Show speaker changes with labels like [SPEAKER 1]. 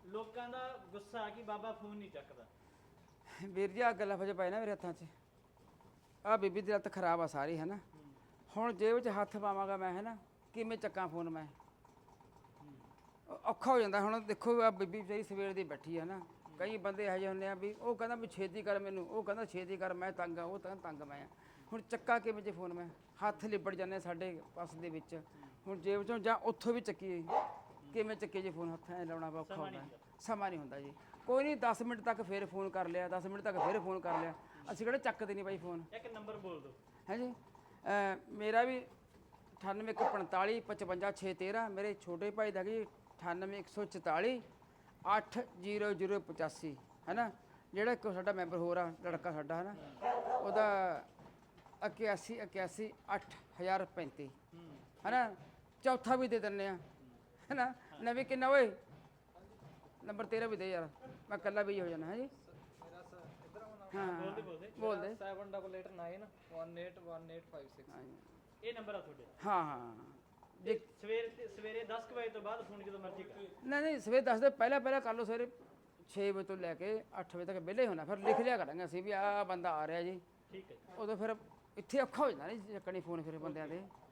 [SPEAKER 1] ਲੋਕਾਂ ਦਾ ਗੁੱਸਾ ਕਿ ਬਾਬਾ ਫੋਨ ਨਹੀਂ ਚੱਕਦਾ।
[SPEAKER 2] ਵੀਰ ਜੀ ਆ ਲਫ਼ਜ਼ ਪਏ ਨਾ ਮੇਰੇ ਹੱਥਾਂ 'ਚ, ਆ ਬੀਬੀ ਦੀ ਲੱਤ ਖਰਾਬ ਆ ਸਾਰੀ ਹੈ ਨਾ, ਹੁਣ ਜੇਬ 'ਚ ਹੱਥ ਪਾਵਾਂਗਾ ਮੈਂ ਹੈ ਨਾ, ਕਿਵੇਂ ਚੱਕਾਂ ਫੋਨ ਮੈਂ, ਔਖਾ ਹੋ ਜਾਂਦਾ। ਹੁਣ ਦੇਖੋ ਆ ਬੀਬੀ ਜਿਹੜੀ ਸਵੇਰ ਦੀ ਬੈਠੀ ਹੈ ਨਾ, ਕਈ ਬੰਦੇ ਇਹੋ ਜਿਹੇ ਹੁੰਦੇ ਆ ਵੀ ਉਹ ਕਹਿੰਦਾ ਵੀ ਛੇਤੀ ਕਰ ਮੈਨੂੰ, ਉਹ ਕਹਿੰਦਾ ਛੇਤੀ ਕਰ ਮੈਂ ਤੰਗ ਆ, ਉਹ ਤਾਂ ਤੰਗ ਮੈਂ ਆ। ਹੁਣ ਚੱਕਾ ਕਿਵੇਂ ਜੇ ਫੋਨ ਮੈਂ, ਹੱਥ ਲਿਬੜ ਜਾਂਦੇ ਸਾਡੇ ਪਾਸ ਦੇ ਵਿੱਚ, ਹੁਣ ਜੇਬ 'ਚੋਂ ਜਾਂ ਉੱਥੋਂ ਵੀ ਚੱਕੀਏ, ਕਿਵੇਂ ਚੱਕੇ ਜੇ ਫੋਨ, ਹੱਥਾਂ 'ਚ ਲਾਉਣਾ ਔਖਾ ਹੁੰਦਾ, ਸਮਾਂ ਨਹੀਂ ਹੁੰਦਾ ਜੀ। ਕੋਈ ਨਹੀਂ 10 ਮਿੰਟ ਤੱਕ ਫਿਰ ਫੋਨ ਕਰ ਲਿਆ, 10 ਮਿੰਟ ਤੱਕ ਫਿਰ ਫੋਨ ਕਰ ਲਿਆ, ਅਸੀਂ ਕਿਹੜਾ ਚੱਕਦੇ ਨਹੀਂ ਬਾਈ ਫੋਨ।
[SPEAKER 1] ਇੱਕ ਨੰਬਰ ਬੋਲ ਦਿਓ।
[SPEAKER 2] ਹੈ ਜੀ ਮੇਰਾ ਵੀ 9845 55613, ਮੇਰੇ ਛੋਟੇ ਭਾਈ ਦਾ ਜੀ 98144 80085 ਹੈ ਨਾ, ਜਿਹੜਾ ਇੱਕ ਸਾਡਾ ਮੈਂਬਰ ਹੋਰ ਆ ਲੜਕਾ ਸਾਡਾ ਹੈ ਨਾ, ਉਹਦਾ 8181 8035 ਹੈ ਨਾ, ਚੌਥਾ ਵੀ ਦੇ ਦਿੰਦੇ ਆ ਹੈ ਨਾ। ਨਵੀਂ ਕਿੰਨਾ ਓਏ ਨੰਬਰ 13 ਵੀ ਦੇ ਯਾਰ, ਮੈਂ ਇਕੱਲਾ ਵੀ ਹੋ ਜਾਣਾ ਹੈ ਜੀ। ਹਾਂ ਬੋਲ ਦੇ
[SPEAKER 3] 7891811856।
[SPEAKER 1] ਇਹ ਨੰਬਰ ਆ ਤੁਹਾਡੇ?
[SPEAKER 2] ਹਾਂ ਹਾਂ
[SPEAKER 1] ਜੇ ਸਵੇਰੇ 10 ਵਜੇ ਤੋਂ ਬਾਅਦ ਫੋਨ ਜਦੋਂ ਮਰਜ਼ੀ ਕਰ।
[SPEAKER 2] ਨਹੀਂ ਸਵੇਰੇ 10 ਦੇ ਪਹਿਲਾਂ ਕਰ ਲਓ, ਸਵੇਰੇ 6 ਵਜੇ ਤੋਂ ਲੈ ਕੇ 8 ਵਜੇ ਤੱਕ ਵਿਹਲੇ ਹੋਣਾ, ਫਿਰ ਲਿਖ ਲਿਆ ਕਰਾਂਗੇ ਅਸੀਂ ਵੀ ਆਹ ਬੰਦਾ ਆ ਰਿਹਾ ਜੀ।
[SPEAKER 1] ਠੀਕ ਹੈ।
[SPEAKER 2] ਉਦੋਂ ਫਿਰ ਇੱਥੇ ਔਖਾ ਹੋ ਜਾਂਦਾ ਨਹੀਂ ਚੱਕਣੀ ਫੋਨ ਫਿਰ ਬੰਦਿਆਂ ਦੇ।